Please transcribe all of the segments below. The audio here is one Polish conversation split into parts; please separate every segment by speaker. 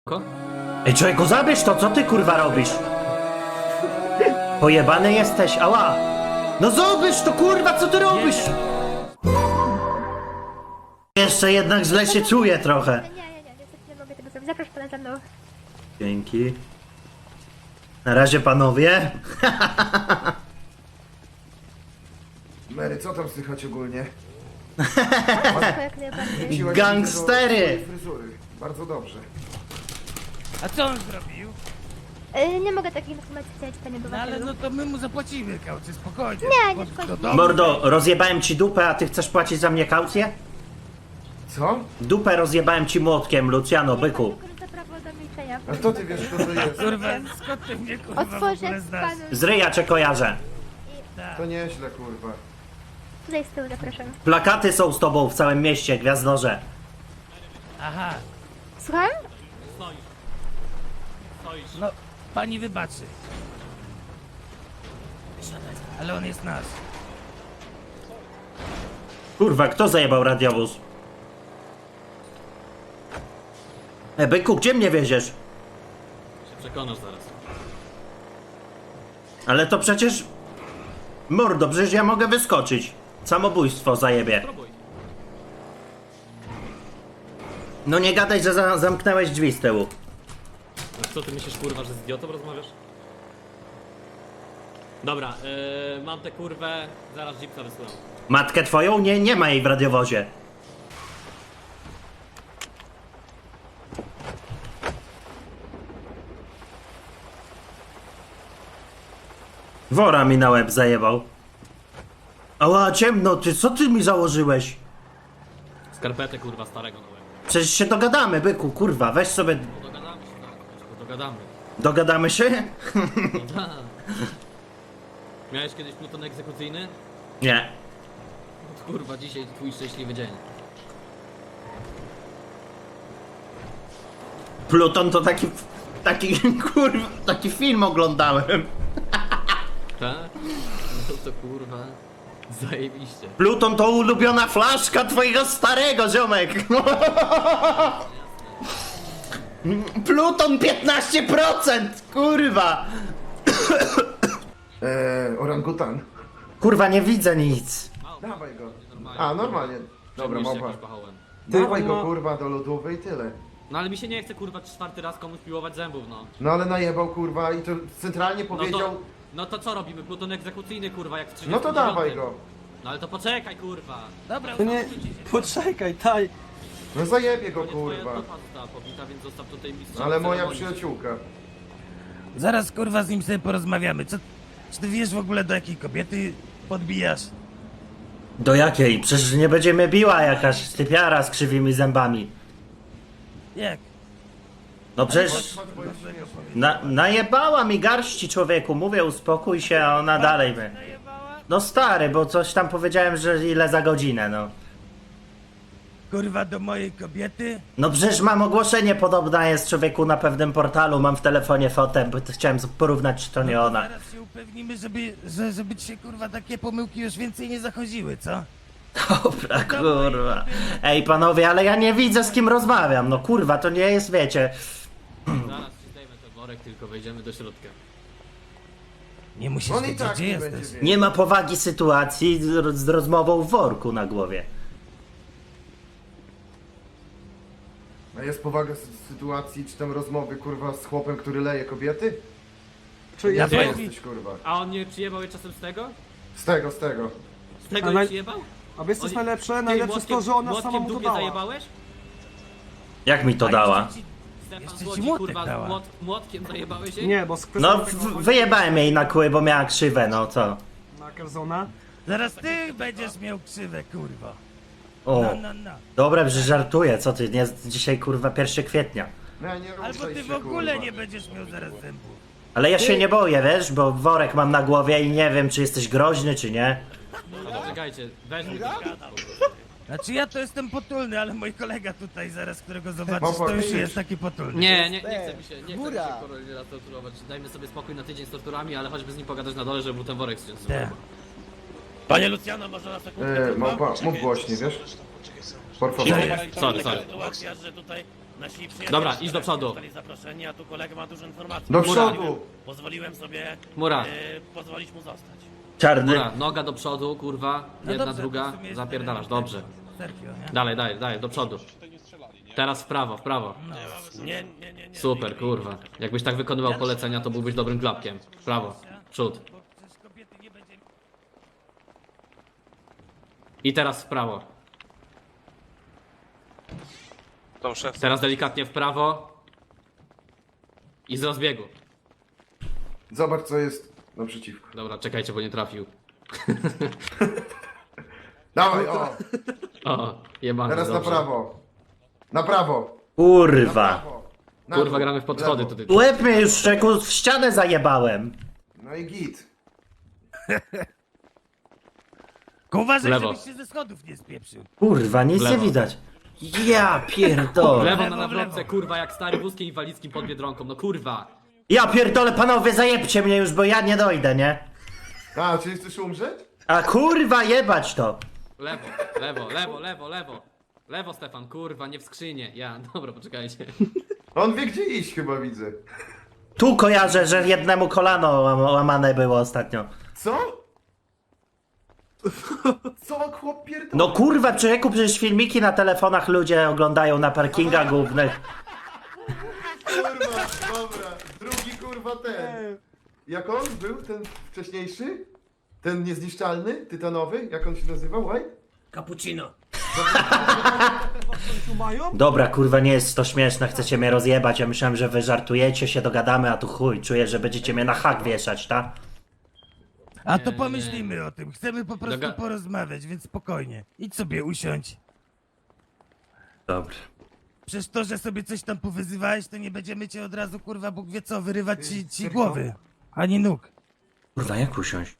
Speaker 1: Ko?
Speaker 2: Ej, człowieku, zabierz to, co ty kurwa robisz? Pojebany jesteś, ała! No zabierz to kurwa, co ty robisz? Jeszcze jednak źle się czuję trochę.
Speaker 3: Nie, niestety nie mogę tego zrobić. Zaproszę pana za mną.
Speaker 2: Dzięki. Na razie panowie.
Speaker 4: Mary, co tam słychać ogólnie?
Speaker 3: Wszystko jak najbardziej.
Speaker 4: Wróciłaś
Speaker 2: Gangstery!
Speaker 4: do swojej fryzury. Bardzo dobrze.
Speaker 5: A co on zrobił?
Speaker 3: Nie mogę takich informacji chcieć, panie
Speaker 5: No ale
Speaker 3: obywatelu.
Speaker 5: no to my mu zapłacimy kaucję, spokojnie.
Speaker 3: Nie, nie
Speaker 5: Do
Speaker 3: szkodzi.
Speaker 5: domu.
Speaker 2: Mordo, rozjebałem ci dupę, a ty chcesz płacić za mnie kaucję?
Speaker 4: Co?
Speaker 2: Dupę rozjebałem ci młotkiem, Luciano, byku.
Speaker 3: Korzysta prawo do milczenia.
Speaker 4: A kto ty wiesz, kto to jest?
Speaker 5: Kurwa, skąd ty mnie kurwa w
Speaker 3: Otworzę
Speaker 5: ogóle znasz?
Speaker 3: panu.
Speaker 2: Z ryja cię kojarzę.
Speaker 4: To nieźle, kurwa.
Speaker 3: Tutaj z tyłu zapraszam.
Speaker 2: Plakaty są z tobą w całym mieście, gwiazdorze.
Speaker 5: Aha,
Speaker 3: Słucham?
Speaker 5: no pani wybaczy. Ale on jest nasz.
Speaker 2: Kurwa, kto zajebał radiowóz? Byku, gdzie mnie wieziesz?
Speaker 1: Się przekonasz zaraz.
Speaker 2: Ale to przecież... Mordo, przecież ja mogę wyskoczyć. Samobójstwo zajebie.
Speaker 1: Próbuj.
Speaker 2: No nie gadaj, że zamknąłeś drzwi z tyłu.
Speaker 1: No co ty myślisz, kurwa, że z idiotą rozmawiasz? Dobra, mam tę kurwę, zaraz jeepsa wysyłam.
Speaker 2: Matkę twoją? Nie ma jej w radiowozie. Wora mi na łeb zajebał. Ała, ciemno, ty, co ty mi założyłeś?
Speaker 1: Skarpetę kurwa starego na łeb.
Speaker 2: Przecież się dogadamy, byku, kurwa, weź sobie...
Speaker 1: No dogadamy się, tak, dogadamy.
Speaker 2: Dogadamy się?
Speaker 1: No tak. Miałeś kiedyś pluton egzekucyjny?
Speaker 2: Nie.
Speaker 1: No kurwa, dzisiaj twój szczęśliwy dzień.
Speaker 2: Pluton to taki, kurwa, taki film oglądałem.
Speaker 1: Tak? No to kurwa, zajebiście.
Speaker 2: Pluton to ulubiona flaszka twojego starego, ziomek. Pluton 15%, kurwa.
Speaker 4: Orangutan.
Speaker 2: Kurwa, nie widzę nic.
Speaker 4: Dawaj go. A, normalnie. Dobra,
Speaker 1: Przyjmijcie
Speaker 4: małpa.
Speaker 1: jakimś pachołem.
Speaker 4: Dawaj go, kurwa, do lodówy i tyle.
Speaker 1: No ale mi się nie chce kurwa czwarty raz komuś piłować zębów, no.
Speaker 4: No ale najebał, kurwa, i to centralnie powiedział...
Speaker 1: No to co robimy? Pluton egzekucyjny kurwa, jak w 39.
Speaker 4: No to dawaj go.
Speaker 1: No ale to poczekaj kurwa.
Speaker 5: Dobra,
Speaker 6: To nie,
Speaker 5: uspokójcie się.
Speaker 6: poczekaj, daj.
Speaker 4: No zajebie go,
Speaker 1: To nie twoja
Speaker 4: kurwa.
Speaker 1: stopa została pobita, więc zostaw tutaj mistrza.
Speaker 4: Ale moja
Speaker 1: ceremonii.
Speaker 4: przyjaciółka.
Speaker 5: Zaraz kurwa z nim sobie porozmawiamy. Czy ty wiesz w ogóle do jakiej kobiety podbijasz?
Speaker 2: Do jakiej? Przecież nie będzie mnie biła jakaś typiara z krzywymi zębami.
Speaker 5: Jak?
Speaker 2: No przecież... najebała mi garści, człowieku. Mówię, uspokój się, a ona dalej mnie. No stary, bo coś tam powiedziałem, że ile za godzinę, no.
Speaker 5: Kurwa do mojej kobiety?
Speaker 2: No przecież mam ogłoszenie, podobna jest, człowieku, na pewnym portalu, mam w telefonie fotę, bo to chciałem porównać, czy to nie ona.
Speaker 5: Zaraz się upewnimy, żeby ci się kurwa takie pomyłki już więcej nie zachodziły, co?
Speaker 2: Dobra, kurwa. Ej, panowie, ale ja nie widzę, z kim rozmawiam, no kurwa, to nie jest, wiecie...
Speaker 1: Zaraz ci zdejmę ten worek, tylko wejdziemy do środka.
Speaker 5: Nie musisz
Speaker 4: On i
Speaker 5: wiedzieć,
Speaker 4: tak
Speaker 5: gdzie
Speaker 4: nie
Speaker 5: jesteś.
Speaker 4: będzie wiedział.
Speaker 2: Nie ma powagi sytuacji z rozmową w worku na głowie.
Speaker 4: A jest powaga sytuacji, czy tam rozmowy, kurwa, z chłopem, który leje kobiety?
Speaker 6: Czy
Speaker 5: Ja
Speaker 4: Gdzie
Speaker 5: powiem-
Speaker 4: jesteś, kurwa?
Speaker 1: A on nie przyjebał je czasem z tego?
Speaker 4: Z tego, z tego.
Speaker 1: Z tego
Speaker 6: A
Speaker 1: nie
Speaker 6: naj-
Speaker 1: przyjebał?
Speaker 6: A wiesz co jest
Speaker 1: Oni-
Speaker 6: najlepsze?
Speaker 1: Ty
Speaker 6: Najlepsze jest to, że ona sama
Speaker 1: młotkiem
Speaker 6: mu to
Speaker 1: dupie
Speaker 6: dała.
Speaker 1: zajebałeś?
Speaker 2: Jak mi to dała?
Speaker 1: Stefan
Speaker 5: Jeszcze ci
Speaker 1: Złodzi,
Speaker 5: młotek
Speaker 1: kurwa,
Speaker 5: dała.
Speaker 1: młotkiem zajebałeś jej?
Speaker 6: Nie, bo z
Speaker 2: No,
Speaker 6: kwestią tego
Speaker 2: wyjebałem jej na kły, bo miała krzywe, no co?
Speaker 6: na Kerzona.
Speaker 5: Zaraz ty będziesz miał krzywę, kurwa.
Speaker 2: O,
Speaker 5: No.
Speaker 2: dobra, że żartuję, co ty, nie, dzisiaj kurwa 1 kwietnia.
Speaker 4: Nie, nie ruszaj
Speaker 5: Albo ty
Speaker 4: się,
Speaker 5: w ogóle
Speaker 4: kurwa.
Speaker 5: nie będziesz miał zaraz zębów.
Speaker 2: Ale ja się nie boję, wiesz, bo worek mam na głowie i nie wiem, czy jesteś groźny, czy nie.
Speaker 1: No poczekajcie, weź mi
Speaker 5: Znaczy ja to jestem potulny, ale mój kolega tutaj zaraz, którego zobaczysz,
Speaker 4: Małpa,
Speaker 5: to już
Speaker 4: widzisz?
Speaker 5: jest taki potulny.
Speaker 1: nie chce mi się raz torturować. Dajmy sobie spokój na tydzień z torturami, ale choćby z nim pogadać na dole, żeby mu ten worek zdjąć.
Speaker 5: Tak. Panie Luciano, może na sekundkę?
Speaker 4: Małpa, mów głośniej, wiesz? Por favor.
Speaker 1: Sorry.
Speaker 5: Sytuacja, że tutaj Nasi przyjaciele
Speaker 1: Dobra, idź do przodu.
Speaker 5: zostali zaproszeni, a tu kolega ma dużo informacji.
Speaker 4: Do
Speaker 1: Mura.
Speaker 4: przodu!
Speaker 5: Pozwoliłem sobie
Speaker 1: Mura.
Speaker 5: pozwolić mu zostać.
Speaker 2: Czarny.
Speaker 1: Dobra, noga do przodu, kurwa,
Speaker 5: No
Speaker 1: jedna,
Speaker 5: dobrze, to
Speaker 1: druga,
Speaker 5: w sumie jest
Speaker 1: zapierdalasz,
Speaker 5: tyle,
Speaker 1: dobrze.
Speaker 5: Sergio, nie?
Speaker 1: Dalej, dalej, do przodu. Teraz w prawo, w prawo.
Speaker 5: No, nie.
Speaker 1: Super, kurwa. Jakbyś tak wykonywał polecenia, to byłbyś dobrym klapkiem. W prawo, w przód.
Speaker 5: Przecież kobiety nie będzie...
Speaker 1: I teraz w prawo.
Speaker 7: Tą szef.
Speaker 1: Teraz delikatnie w prawo. I z rozbiegu.
Speaker 4: Zobacz co jest naprzeciwko.
Speaker 1: Dobra, czekajcie, bo nie trafił.
Speaker 4: Dawaj, o!
Speaker 1: O, jebany,
Speaker 4: Teraz na
Speaker 1: dobrze.
Speaker 4: prawo. Na prawo. Na
Speaker 2: Kurwa.
Speaker 4: prawo. Na
Speaker 1: Kurwa,
Speaker 4: dół.
Speaker 1: gramy w podchody
Speaker 4: Lewo.
Speaker 1: tutaj.
Speaker 2: Łeb mnie już szczekł, w ścianę zajebałem.
Speaker 4: No i git.
Speaker 5: Tylko uważaj,
Speaker 1: Lewo.
Speaker 5: żebyś się ze schodów nie spieprzył.
Speaker 2: Kurwa, nic nie
Speaker 1: Lewo.
Speaker 2: widać. Ja pierdolę.
Speaker 1: Lewo na
Speaker 5: Lewo,
Speaker 1: nawrotce,
Speaker 5: lewo.
Speaker 1: kurwa, jak stary wózkiem inwalidzkim pod Biedronką, no kurwa.
Speaker 2: Ja pierdolę, panowie, zajebcie mnie już, bo ja nie dojdę, nie?
Speaker 4: A, czyli chcesz umrzeć?
Speaker 2: A kurwa, jebać to.
Speaker 1: Lewo, lewo, lewo, lewo, lewo. Lewo, Stefan, kurwa, nie w skrzynię. Ja, dobra, poczekajcie.
Speaker 4: On wie gdzie iść chyba widzę.
Speaker 2: Tu kojarzę, że jednemu kolano łamane było ostatnio.
Speaker 4: Co? Co chłop pierdolę?
Speaker 2: No kurwa, człowieku, przecież filmiki na telefonach ludzie oglądają na parkingach głównych.
Speaker 4: Kurwa, dobra. Drugi kurwa ten. Jak on był, ten wcześniejszy? Ten niezniszczalny, tytanowy? Jak on się nazywał, White?
Speaker 5: Cappuccino.
Speaker 6: Tu mają?
Speaker 2: Dobra, kurwa, nie jest to śmieszne, chcecie mnie rozjebać. Ja myślałem, że wy żartujecie, się dogadamy, a tu chuj, czuję, że będziecie mnie na hak wieszać, tak?
Speaker 5: A to pomyślimy o tym. Chcemy po prostu
Speaker 1: Doga-
Speaker 5: porozmawiać, więc spokojnie. Idź sobie usiądź.
Speaker 2: Dobra.
Speaker 5: Przecież to, że sobie coś tam powyzywałeś, to nie będziemy cię od razu, kurwa, Bóg wie co, wyrywać ci
Speaker 4: Serko?
Speaker 5: głowy. Ani nóg.
Speaker 2: Kurwa, jak usiąść?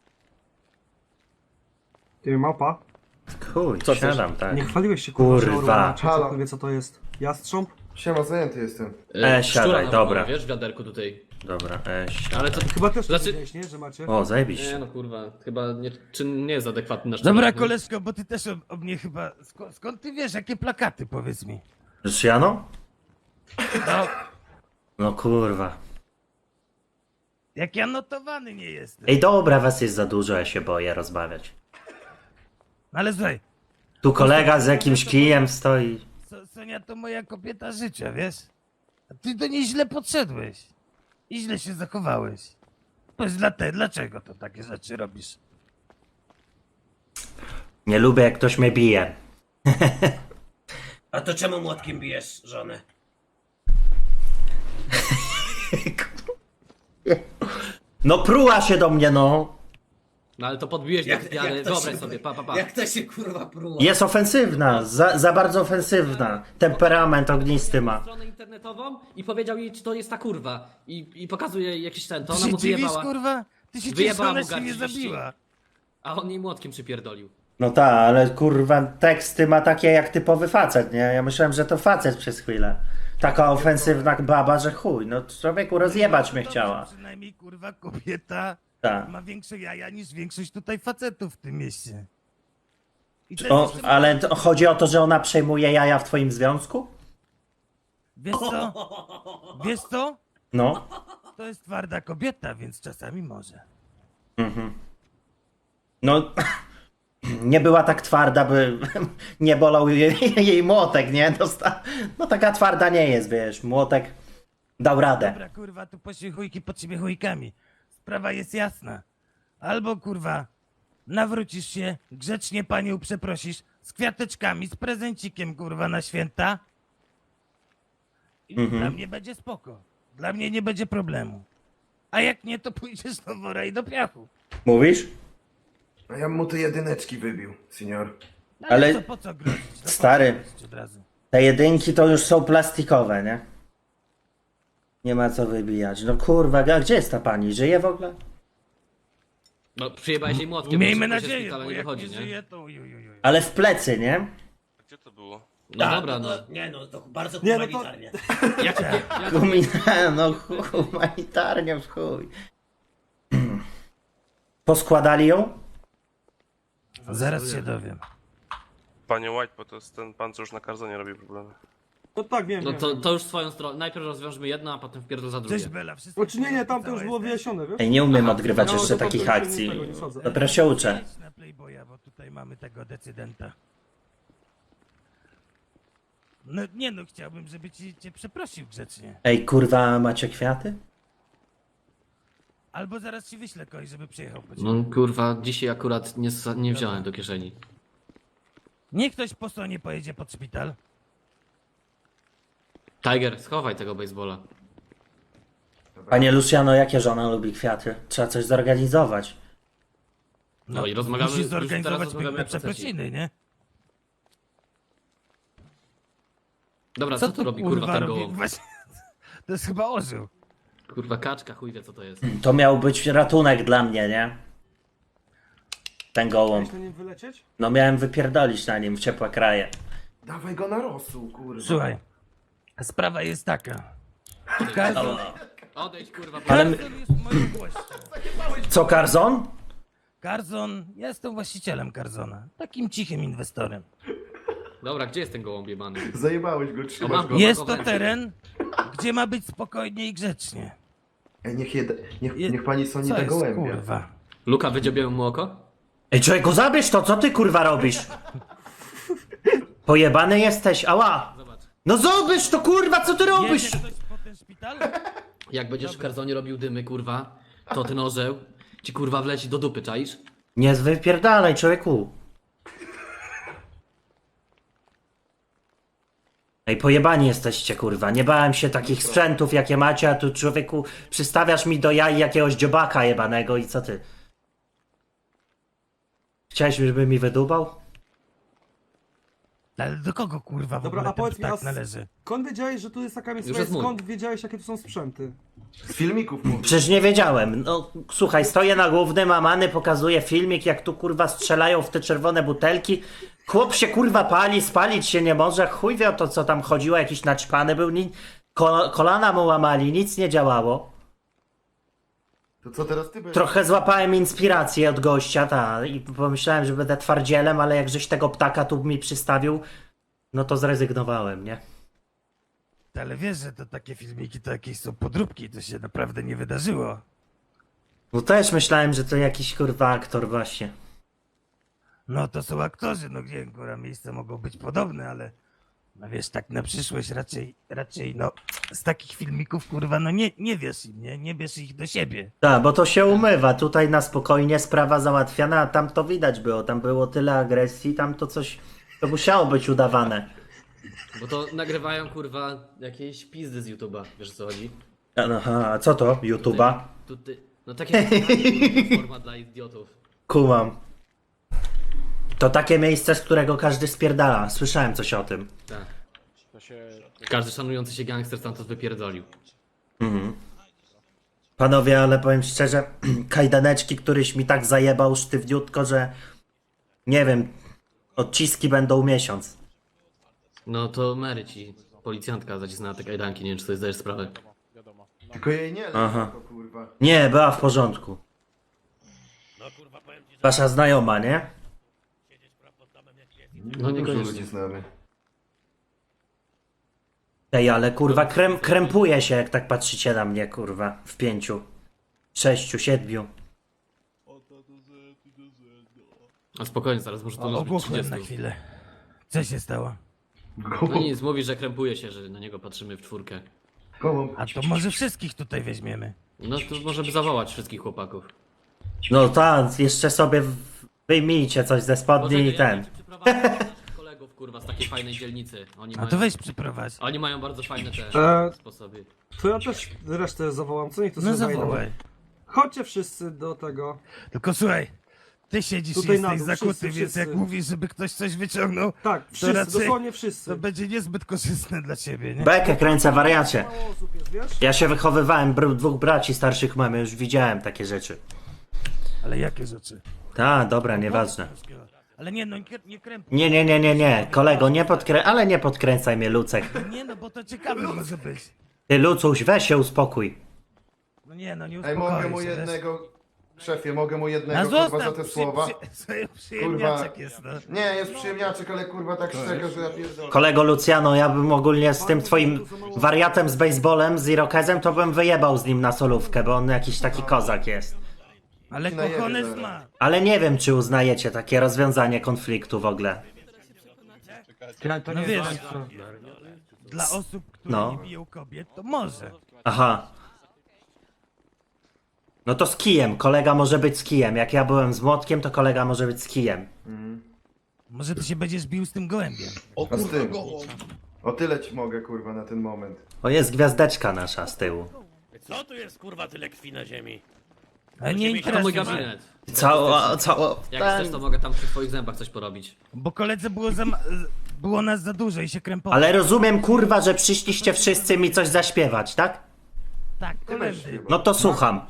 Speaker 6: Ty, małpa.
Speaker 2: Chuj,
Speaker 1: Co chcesz?
Speaker 2: siadam, tak.
Speaker 6: Nie chwaliłeś się kurwa, że
Speaker 2: Kurwa.
Speaker 6: Orłana, czy
Speaker 4: Halo.
Speaker 6: ktoś wie co to jest. Jastrząb?
Speaker 4: Siema, zajęty jestem.
Speaker 2: siadaj,
Speaker 1: Szczura na
Speaker 2: dobra.
Speaker 1: Wiesz, w wiaderku tutaj.
Speaker 2: Dobra,
Speaker 1: Ale co...
Speaker 6: Chyba też to
Speaker 1: Znaczy-
Speaker 6: widziałeś, nie? Że macie?
Speaker 2: O,
Speaker 1: Nie
Speaker 2: zajebiście.
Speaker 1: no, kurwa, chyba nie, czy nie jest adekwatny na szczura.
Speaker 5: Dobra,
Speaker 1: nie?
Speaker 5: koleżko, bo ty też o mnie chyba... Skąd ty wiesz, jakie plakaty, powiedz mi?
Speaker 2: Już Jano?
Speaker 5: No,
Speaker 2: No kurwa.
Speaker 5: jak ja notowany nie jestem.
Speaker 2: Ej, dobra, was jest za dużo, ja się boję rozmawiać.
Speaker 5: Ale słuchaj,
Speaker 2: Tu kolega z jakimś kijem stoi.
Speaker 5: Sonia to moja kobieta życia, wiesz? A ty do niej źle podszedłeś. I źle się zachowałeś. Powiedz dlaczego to takie rzeczy robisz?
Speaker 2: Nie lubię, jak ktoś mnie bije.
Speaker 5: A to czemu młotkiem bijesz żonę?
Speaker 2: No pruła się do mnie, no.
Speaker 1: No ale to podbiłeś do wiary, wyobraź sobie, pa.
Speaker 8: Jak to się kurwa pruło?
Speaker 2: Jest ofensywna, za bardzo ofensywna. Temperament ognisty ma.
Speaker 1: Stronę internetową i powiedział jej, czy to jest ta kurwa. I pokazuje jej jakiś ten, to
Speaker 5: Ty
Speaker 1: ona
Speaker 5: się
Speaker 1: mu
Speaker 5: dziwisz,
Speaker 1: wyjebała.
Speaker 5: kurwa? Ty się dziwisz,
Speaker 1: Wyjebała
Speaker 5: ona
Speaker 1: mu
Speaker 5: się nie
Speaker 1: garść
Speaker 5: zabiła.
Speaker 1: A on jej młotkiem przypierdolił.
Speaker 2: No tak, ale kurwa teksty ma takie jak typowy facet, nie? Ja myślałem, że to facet przez chwilę. Taka ofensywna baba, że chuj, no człowieku rozjebać mnie
Speaker 5: No,
Speaker 2: chciała.
Speaker 5: Przynajmniej, kurwa, kobieta
Speaker 2: Tak.
Speaker 5: ma większe jaja niż większość tutaj facetów w tym mieście. I to
Speaker 2: O,
Speaker 5: jest-
Speaker 2: ale chodzi o to, że ona przejmuje jaja w twoim związku?
Speaker 5: Wiesz co? Wiesz co?
Speaker 2: No.
Speaker 5: To jest twarda kobieta, więc czasami może.
Speaker 2: No, nie była tak twarda, by nie bolał jej młotek, nie? No taka twarda nie jest, wiesz, młotek dał radę.
Speaker 5: Dobra, kurwa, tu poszły chujki pod siebie chujkami. Sprawa jest jasna. Albo, kurwa, nawrócisz się, grzecznie panią przeprosisz, z kwiateczkami, z prezencikiem, kurwa, na święta. I dla mnie będzie spoko. Dla mnie nie będzie problemu. A jak nie, to pójdziesz do wora i do piachu.
Speaker 2: Mówisz?
Speaker 4: A ja bym mu te jedyneczki wybił, senior.
Speaker 2: Ale-
Speaker 5: co, po co grozić? No, po co
Speaker 2: Stary.
Speaker 5: grozić od razu?
Speaker 2: Te jedynki to już są plastikowe, nie? Nie ma co wybijać. No kurwa, a gdzie jest ta pani? Żyje w ogóle?
Speaker 1: No przyjebałeś jej młotkiem.
Speaker 5: Miejmy
Speaker 1: więc się z
Speaker 5: nadzieję,
Speaker 1: szpitala
Speaker 5: bo
Speaker 1: nie
Speaker 5: jak
Speaker 1: wychodzi,
Speaker 5: nie
Speaker 1: nie?
Speaker 5: żyje, to ujujujuj.
Speaker 2: Ale w plecy, nie?
Speaker 7: Gdzie to było?
Speaker 1: No dobra, no.
Speaker 8: Nie no, to bardzo
Speaker 6: Nie, no to-
Speaker 8: humanitarnie.
Speaker 2: No humanitarnie w chuj. Poskładali ją?
Speaker 5: Zaraz się dowiem.
Speaker 7: Panie White, bo to jest ten pan, co już na karzonie robi problemy.
Speaker 6: No tak, wiem,
Speaker 1: No
Speaker 6: wiem.
Speaker 1: to już swoją stronę. Najpierw rozwiążmy jedno, a potem wpierdol za drugie.
Speaker 5: Cześć Bela, wszystko...
Speaker 6: Znaczy nie, tam to już było wyjaśnione, wiesz?
Speaker 2: Ej, nie umiem odgrywać
Speaker 6: No,
Speaker 2: jeszcze
Speaker 6: to
Speaker 2: takich
Speaker 6: to
Speaker 2: akcji.
Speaker 6: tego nie sadzę.
Speaker 2: Dopiero się uczę.
Speaker 5: Idź na Playboya, bo tutaj mamy tego decydenta. No nie no, chciałbym, żeby cię przeprosił grzecznie.
Speaker 2: Ej, kurwa, macie kwiaty?
Speaker 5: Albo zaraz ci wyślę kogoś, żeby przyjechał po ciebie.
Speaker 1: No kurwa, dzisiaj akurat nie wziąłem do kieszeni.
Speaker 5: Niech ktoś po stronie pojedzie pod szpital.
Speaker 1: Tiger, schowaj tego baseballa.
Speaker 2: Panie Luciano, jakie żona lubi kwiaty? Trzeba coś zorganizować.
Speaker 1: No i rozmawiamy-
Speaker 5: Musisz
Speaker 1: już teraz
Speaker 5: zorganizować
Speaker 1: rozmawiamy
Speaker 5: piękne
Speaker 1: o procesie.
Speaker 5: przeprosiny, nie?
Speaker 1: Dobra, co tu robi kurwa ten
Speaker 5: robi?
Speaker 1: gołąb?
Speaker 5: Właśnie, to jest chyba orzeł.
Speaker 1: Kurwa kaczka, chuj wie co to jest.
Speaker 2: To miał być ratunek dla mnie, nie? Ten gołąb.
Speaker 6: Chciałeś na nim wylecieć?
Speaker 2: No miałem wypierdolić na nim w ciepłe kraje.
Speaker 4: Dawaj go na rosół, kurwa.
Speaker 5: Słuchaj, sprawa jest taka. Karzon,
Speaker 1: Odejdź kurwa,
Speaker 2: Ale
Speaker 5: Karzon jest moją gością.
Speaker 2: co, Karzon?
Speaker 5: Karzon, ja jestem właścicielem Karzona. Takim cichym inwestorem.
Speaker 1: Dobra, gdzie jest ten gołąb jebany?
Speaker 4: Zajebałeś go, trzymasz
Speaker 1: mam
Speaker 4: go.
Speaker 1: go.
Speaker 5: Jest to teren, gdzie ma być spokojnie i grzecznie.
Speaker 4: Ej, niech pani soni
Speaker 5: Co
Speaker 4: tego
Speaker 5: jest,
Speaker 4: gołębia.
Speaker 5: kurwa?
Speaker 1: Luka, wydziobiemy mu oko?
Speaker 2: Ej, człowieku, zabierz to, co ty kurwa robisz? Pojebany jesteś, ała!
Speaker 1: Zobacz.
Speaker 2: No zobacz to kurwa, co ty robisz?
Speaker 5: Jedzie ktoś po ten szpital?
Speaker 1: Jak będziesz w karzonie robił dymy, kurwa, to ten orzeł ci kurwa wleci do dupy, czaisz?
Speaker 2: Nie wypierdalaj, człowieku. Ej, pojebani jesteście, kurwa. Nie bałem się takich sprzętów, jakie macie, a tu człowieku przystawiasz mi do jaj jakiegoś dziobaka jebanego i co ty? Chciałeś, żeby mi wydubał?
Speaker 5: Ale do kogo kurwa w
Speaker 6: Dobra,
Speaker 5: ogóle
Speaker 6: a powiedz mi,
Speaker 5: ten
Speaker 6: a
Speaker 5: ptak należy?
Speaker 6: skąd wiedziałeś, że tu jest taka miejscowa?
Speaker 1: jest mój.
Speaker 6: Skąd wiedziałeś, jakie tu są sprzęty?
Speaker 4: Z filmików mówię.
Speaker 2: Przecież nie wiedziałem. No słuchaj, stoję na głównym, a Many pokazuje filmik, jak tu kurwa strzelają w te czerwone butelki. Chłop się kurwa pali, spalić się nie może. Chuj wie o to, co tam chodziło, jakiś naćpany był. Kolana mu łamali, nic nie działało.
Speaker 4: To co teraz ty będziesz?
Speaker 2: Trochę złapałem inspirację od gościa, i pomyślałem, że będę twardzielem, ale jak żeś tego ptaka tu mi przystawił, no to zrezygnowałem, nie?
Speaker 5: Ale wiesz, że to takie filmiki to jakieś są podróbki, to się naprawdę nie wydarzyło.
Speaker 2: Bo też myślałem, że to jakiś kurwa aktor właśnie.
Speaker 5: No to są aktorzy, no gdzie kurwa miejsca mogą być podobne, ale no wiesz, tak na przyszłość raczej no z takich filmików kurwa no nie wiesz im, nie bierz ich do siebie.
Speaker 2: Tak, bo to się umywa. Tutaj na spokojnie sprawa załatwiana, a tam to widać było. Tam było tyle agresji, tam to coś... To musiało być udawane.
Speaker 1: Bo to nagrywają kurwa jakieś pizdy z YouTube'a, wiesz o co chodzi?
Speaker 2: Aha, a co to? YouTube'a?
Speaker 1: Tutaj, no takie forma dla idiotów.
Speaker 2: Kumam. To takie miejsce, z którego każdy spierdala. Słyszałem coś o tym.
Speaker 1: Tak. Każdy szanujący się gangster stamtąd wypierdolił.
Speaker 2: Panowie, ale powiem szczerze, kajdaneczki, któryś mi tak zajebał sztywniutko, że... Nie wiem, odciski będą miesiąc.
Speaker 1: No to Mary ci, policjantka zacisnęła te kajdanki, nie wiem czy sobie zdajesz sprawę.
Speaker 4: Tylko jej nie
Speaker 2: Aha.
Speaker 4: leży, to kurwa.
Speaker 2: Nie, była w porządku. Wasza znajoma, nie?
Speaker 1: No
Speaker 4: Dużo
Speaker 1: niekoniecznie.
Speaker 4: ludzi znamy.
Speaker 2: Ej, ale kurwa, krępuje się, jak tak patrzycie na mnie, kurwa. W 5, 6, 7.
Speaker 1: A spokojnie, zaraz może to może być
Speaker 5: Ogłuchłem
Speaker 1: 30.
Speaker 5: na chwilę. Co się stało?
Speaker 1: No nic, mówi, że krępuje się, że na niego patrzymy w czwórkę.
Speaker 4: Gołąb.
Speaker 5: A to może wszystkich tutaj weźmiemy.
Speaker 1: No to możemy zawołać wszystkich chłopaków.
Speaker 2: No tak, jeszcze sobie wyjmijcie coś ze spodni i ten.
Speaker 1: ci przyprowadzę naszych kolegów, kurwa, z takiej fajnej dzielnicy. Oni
Speaker 5: A
Speaker 1: mają,
Speaker 5: to weź przyprowadź.
Speaker 1: oni mają bardzo fajne te sposoby.
Speaker 6: To ja też resztę zawołam, co niech to
Speaker 5: No
Speaker 6: sobie zajdą.
Speaker 5: zawołaj.
Speaker 6: Chodźcie wszyscy do tego.
Speaker 5: Tylko słuchaj, ty siedzisz
Speaker 6: Tutaj
Speaker 5: i
Speaker 6: na
Speaker 5: jesteś
Speaker 6: dół,
Speaker 5: zakuty,
Speaker 6: wszyscy,
Speaker 5: więc jak
Speaker 6: wszyscy.
Speaker 5: mówisz, żeby ktoś coś wyciągnął,
Speaker 6: Tak, wszyscy,
Speaker 5: raczej-
Speaker 6: dosłownie
Speaker 5: to
Speaker 6: wszyscy.
Speaker 5: będzie niezbyt korzystne dla ciebie, nie?
Speaker 2: Bekę kręcę, wariacie.
Speaker 6: Mało osób jest, wiesz?
Speaker 2: Ja się wychowywałem, dwóch braci starszych mamy, już widziałem takie rzeczy.
Speaker 5: Ale jakie rzeczy?
Speaker 2: Ta, dobra, nieważne.
Speaker 5: Ale nie, no nie krępuj.
Speaker 2: Nie, kolego, ale nie podkręcaj mnie, Lucek.
Speaker 5: Nie, no bo to ciekawe może być.
Speaker 2: Ty, Lucuś, weź się uspokój.
Speaker 5: No nie, no nie
Speaker 4: Ej,
Speaker 5: uspokoi
Speaker 4: mogę mu
Speaker 5: się, wiesz?
Speaker 4: jednego... Szefie, mogę mu
Speaker 5: A
Speaker 4: jednego kurwa za
Speaker 5: zostaw,
Speaker 4: te słowa?
Speaker 5: przyjemniaczek jest, no.
Speaker 4: Nie, jest przyjemniaczek, ale kurwa tak szczega, że ja pierdolę.
Speaker 2: Kolego Luciano, ja bym ogólnie z tym twoim wariatem z baseballem, z Irokezem, to bym wyjebał z nim na solówkę, bo on jakiś taki kozak jest.
Speaker 5: Ale
Speaker 4: Najebie
Speaker 5: kochones
Speaker 4: zaraz.
Speaker 5: ma.
Speaker 2: Ale nie wiem, czy uznajecie takie rozwiązanie konfliktu w ogóle.
Speaker 6: To
Speaker 5: No
Speaker 6: nie
Speaker 5: wiesz,
Speaker 6: jest to.
Speaker 5: dla osób, które
Speaker 2: No.
Speaker 5: nie biją kobiet, to może.
Speaker 2: Aha. No to z kijem, kolega może być z kijem. Jak ja byłem z młotkiem, to kolega może być z kijem.
Speaker 5: Może ty się będziesz bił z tym gołębiem.
Speaker 4: A z tym. O tyle ci mogę kurwa na ten moment.
Speaker 2: O, jest gwiazdeczka nasza z tyłu.
Speaker 8: Co tu jest kurwa tyle krwi na ziemi?
Speaker 5: Ale nie
Speaker 1: To mój
Speaker 5: interesuje mnie,
Speaker 1: gabinet.
Speaker 2: Cało.
Speaker 1: Jak chcesz, to mogę tam przy twoich zębach coś porobić.
Speaker 5: bo koledze było nas za dużo i się krępowało.
Speaker 2: Ale rozumiem, kurwa, że przyszliście wszyscy mi coś zaśpiewać, tak?
Speaker 5: Tak,
Speaker 4: Ty weź
Speaker 5: koledzy.
Speaker 4: chyba.
Speaker 2: No to słucham.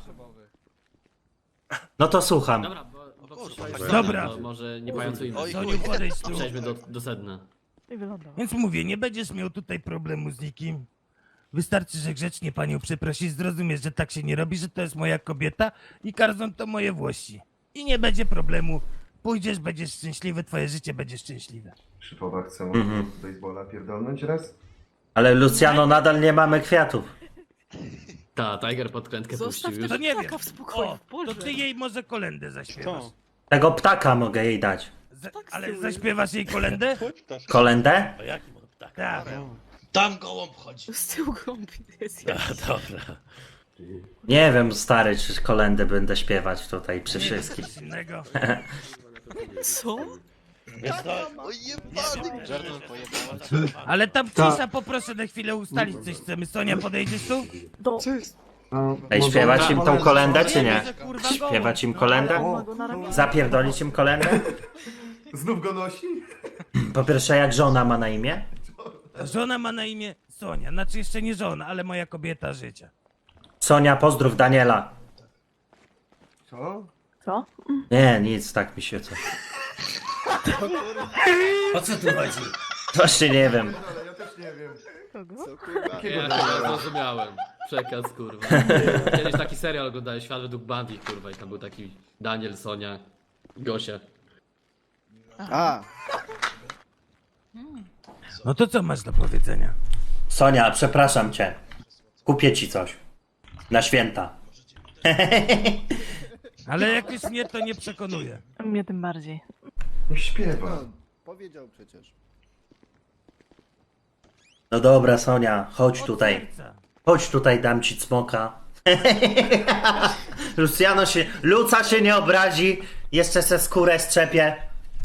Speaker 2: No to słucham.
Speaker 1: Dobra, bo
Speaker 5: Dobra.
Speaker 1: To może nie pajacujmy.
Speaker 5: Soniu, podejdź tu.
Speaker 1: Przejdźmy do sedna.
Speaker 5: Więc mówię, nie będziesz miał tutaj problemu z nikim. Wystarczy, że grzecznie panią przeprosisz, zrozumiesz, że tak się nie robi, że to jest moja kobieta i Karzon to moje włości. I nie będzie problemu. Pójdziesz, będziesz szczęśliwy, twoje życie będzie szczęśliwe.
Speaker 4: Szypowa chce mu
Speaker 2: Mhm.
Speaker 4: baseballa pierdolnąć raz?
Speaker 2: Ale Luciano, nadal nie mamy kwiatów.
Speaker 1: Ta, Tiger podkrętkę puścił już.
Speaker 5: To nie wiem. O, to ty jej może kolendę zaśpiewasz.
Speaker 2: Tego ptaka mogę jej dać.
Speaker 5: Ale zaśpiewasz jej kolendę?
Speaker 2: Kolendę?
Speaker 8: O jakim on ptak?
Speaker 5: Tak.
Speaker 8: Tam gołąb chodzi.
Speaker 9: Z tyłu gąbi jest
Speaker 8: Dobra.
Speaker 2: Nie wiem, stary, czy kolendę będę śpiewać tutaj przy wszystkich.
Speaker 5: Coś innego.
Speaker 9: Co?
Speaker 8: Wiesz co?
Speaker 5: Ale tam cisza, poproszę na chwilę ustalić coś chcemy. Sonia, podejdziesz tu?
Speaker 6: No,
Speaker 2: Ej,
Speaker 6: może-
Speaker 2: śpiewać im tą kolendę, czy nie?
Speaker 5: Może, kurwa,
Speaker 2: Śpiewać im
Speaker 5: gołąb.
Speaker 2: kolendę? Zapierdolić im kolendę?
Speaker 4: Znów go nosi?
Speaker 2: Po pierwsze, jak żona ma na imię?
Speaker 5: Żona ma na imię Sonia. Znaczy jeszcze nie żona, ale moja kobieta życia.
Speaker 2: Sonia, pozdrów Daniela.
Speaker 6: Co?
Speaker 3: Co?
Speaker 2: Nie, nic, tak mi się co.
Speaker 8: O co tu chodzi?
Speaker 2: Właśnie nie wiem.
Speaker 4: Ale ja też nie wiem.
Speaker 1: Ja zrozumiałem. Przekaz, kurwa. Kiedyś taki serial oglądałem, Świat według Bundy, kurwa, i tam był taki Daniel, Sonia, Gosia.
Speaker 5: No to co masz do powiedzenia?
Speaker 2: Sonia, przepraszam cię. Kupię ci coś. Na święta.
Speaker 5: Ale jak już mnie to nie przekonuje.
Speaker 9: Mnie tym bardziej.
Speaker 4: Niech śpiewa.
Speaker 10: Powiedział przecież.
Speaker 2: No dobra, Sonia, chodź tutaj.
Speaker 5: Serca.
Speaker 2: Chodź tutaj, dam ci cmoka. Luca się nie obrazi. Jeszcze se skórę strzepie.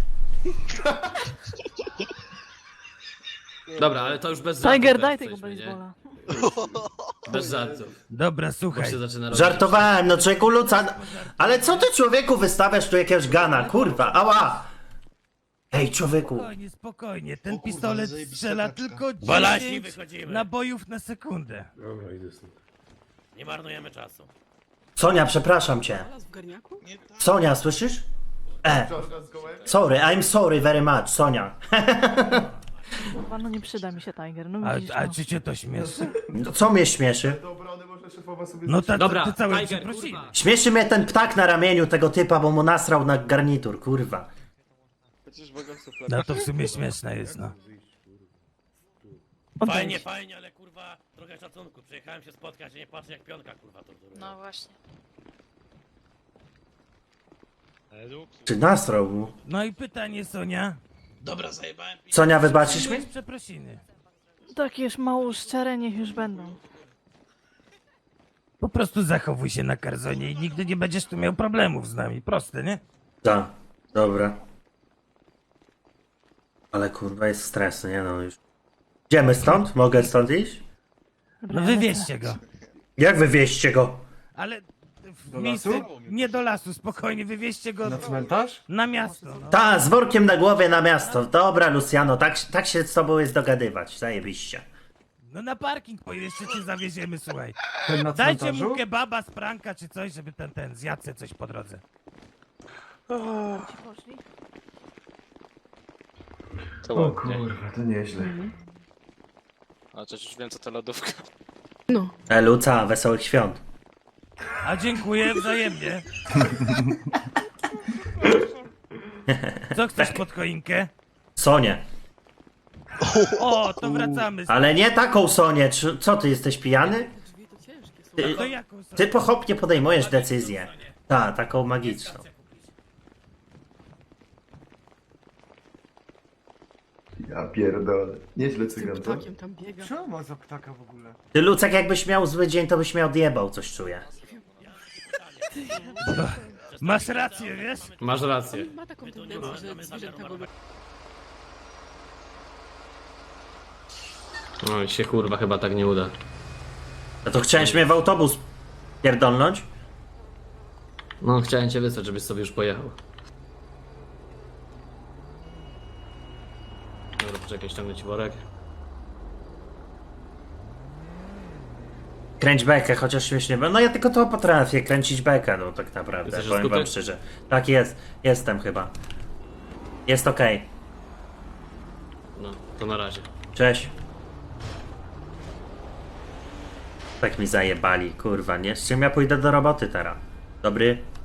Speaker 1: Dobra, ale to już bez żartów.
Speaker 9: Tiger,
Speaker 1: teraz
Speaker 9: daj tego
Speaker 1: jesteśmy, nie?
Speaker 9: baseballa.
Speaker 1: Bez żartów.
Speaker 5: Dobra,
Speaker 1: Bo
Speaker 5: słuchaj.
Speaker 1: się zaczyna robić.
Speaker 2: Żartowałem, no człowieku Luca. Ale co ty, człowieku, wystawiasz tu jakiegoś gana? Kurwa, ała. Ej, człowieku.
Speaker 5: Spokojnie, spokojnie. Ten pistolet strzela tylko
Speaker 8: Balaśni
Speaker 5: 10
Speaker 8: wychodzimy.
Speaker 5: nabojów na sekundę.
Speaker 8: Nie marnujemy czasu.
Speaker 2: Sonia, przepraszam cię.
Speaker 9: W garniaku?
Speaker 2: Sonia, słyszysz?
Speaker 4: Żona z gołębiem?
Speaker 2: Sorry, I'm sorry very much, Sonia.
Speaker 9: Kurwa, no nie przyda mi się Tiger, no
Speaker 5: A,
Speaker 9: widzisz,
Speaker 5: a
Speaker 9: no.
Speaker 5: czy cię to śmieszy?
Speaker 2: No, co mnie śmieszy?
Speaker 4: Do obrony może szefowa sobie
Speaker 5: No tak,
Speaker 1: Dobra,
Speaker 5: ty całe
Speaker 1: Tiger,
Speaker 5: przeprosiny.
Speaker 1: kurwa.
Speaker 2: Śmieszy mnie ten ptak na ramieniu tego typa, bo mu nasrał na garnitur, kurwa.
Speaker 5: No to w sumie śmieszne jest, no.
Speaker 8: Fajnie, fajnie, ale kurwa, trochę szacunku. Przyjechałem się spotkać, a nie patrzę jak pionka kurwa torturuje.
Speaker 9: No właśnie.
Speaker 2: Czy nasrał mu?
Speaker 5: No i pytanie, Sonia.
Speaker 8: Dobra, zajebałem.
Speaker 2: Sonia, wybaczysz mi?
Speaker 5: Przyjąłeś przeprosiny.
Speaker 9: Takie już mało szczere, niech już będą.
Speaker 5: Po prostu zachowuj się na Karzonie i nigdy nie będziesz tu miał problemów z nami. Proste, nie?
Speaker 2: Tak, dobra. Ale kurwa jest stres, nie no już. Idziemy stąd? Mogę stąd iść?
Speaker 5: No wywieźcie go.
Speaker 2: Jak wywieźcie go?
Speaker 5: Ale w miejsce, nie do lasu, spokojnie, wywieźcie go
Speaker 6: Na cmentarz?
Speaker 5: na miasto. No.
Speaker 2: Ta, z workiem na głowie na miasto. Dobra, Luciano, tak się z tobą jest dogadywać, zajebiście.
Speaker 5: No na parking jeszcze cię zawieziemy, słuchaj.
Speaker 6: Ten na
Speaker 5: Dajcie
Speaker 6: cmentarzu?
Speaker 5: mu kebaba z pranka czy coś, żeby ten zjadł se coś po drodze.
Speaker 9: Ci poszli?
Speaker 4: O kurwa, to nieźle.
Speaker 7: A przecież już wiem co to lodówka.
Speaker 9: No.
Speaker 2: Luca, wesołych świąt.
Speaker 5: A dziękuję wzajemnie. Co chcesz pod choinkę?
Speaker 2: Sonię.
Speaker 5: O, to wracamy.
Speaker 2: Ale nie taką Sonię. Co, ty jesteś pijany?
Speaker 5: To jaką sobie?
Speaker 2: Ty pochopnie podejmujesz decyzję. Tak, taką magiczną.
Speaker 4: Ja pierdolę. Nieźle cygan, co?
Speaker 6: Co on ma za ptaka w ogóle?
Speaker 2: Ty, Lucek, jakbyś miał zły dzień, to byś mnie odjebał, coś czuję.
Speaker 5: Masz rację, wiesz?
Speaker 1: Masz rację.
Speaker 9: Ma taką tendencję, że zwierzęta go
Speaker 1: No i się kurwa chyba tak nie uda.
Speaker 2: No to chciałeś mnie w autobus pierdolnąć?
Speaker 1: No chciałem cię wysłać, żebyś sobie już pojechał. Dobra, poczekaj, ściągnę ci worek.
Speaker 2: Kręć bekę, chociaż śmiesznie. No ja tylko to potrafię, kręcić bekę, no tak naprawdę,
Speaker 1: Jesteś
Speaker 2: powiem wam
Speaker 1: skutek?
Speaker 2: szczerze. Tak jest, jestem chyba. Jest okej.
Speaker 1: No, to na razie.
Speaker 2: Cześć. Tak mi zajebali, kurwa, nie? Z czym ja pójdę do roboty teraz? Dobry?